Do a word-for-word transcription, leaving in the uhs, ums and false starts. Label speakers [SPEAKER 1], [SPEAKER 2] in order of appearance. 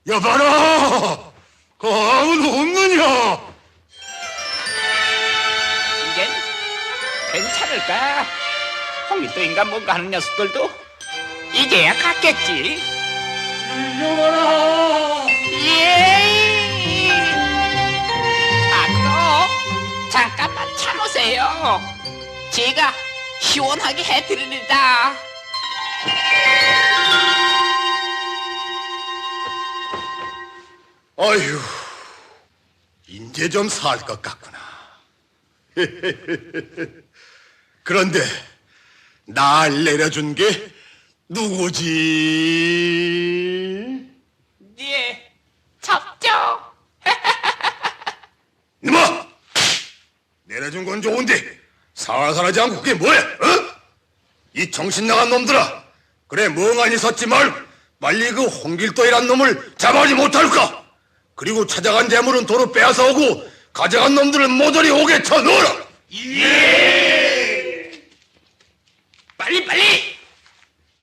[SPEAKER 1] 여봐라! 그 아무도 없느냐?
[SPEAKER 2] 이젠 괜찮을까? 홍길동인가 뭔가 하는 녀석들도 이제야 갔겠지.
[SPEAKER 1] 여봐라!
[SPEAKER 2] 예. 아또 잠깐만 참으세요. 제가 시원하게 해드립니다.
[SPEAKER 1] 아휴, 이제 좀 살 것 같구나. 그런데 날 내려준 게 누구지?
[SPEAKER 2] 예, 잡죠.
[SPEAKER 1] 이놈아! 내려준 건 좋은데 살살하지 않고 그게 뭐야? 어? 이 정신 나간 놈들아! 그래 멍하니 섰지 말고 빨리 그 홍길동이란 놈을 잡아오지 못할까? 그리고 찾아간 재물은 도로 빼앗아오고 가져간 놈들은 모조리 옥에 쳐넣어라! 예!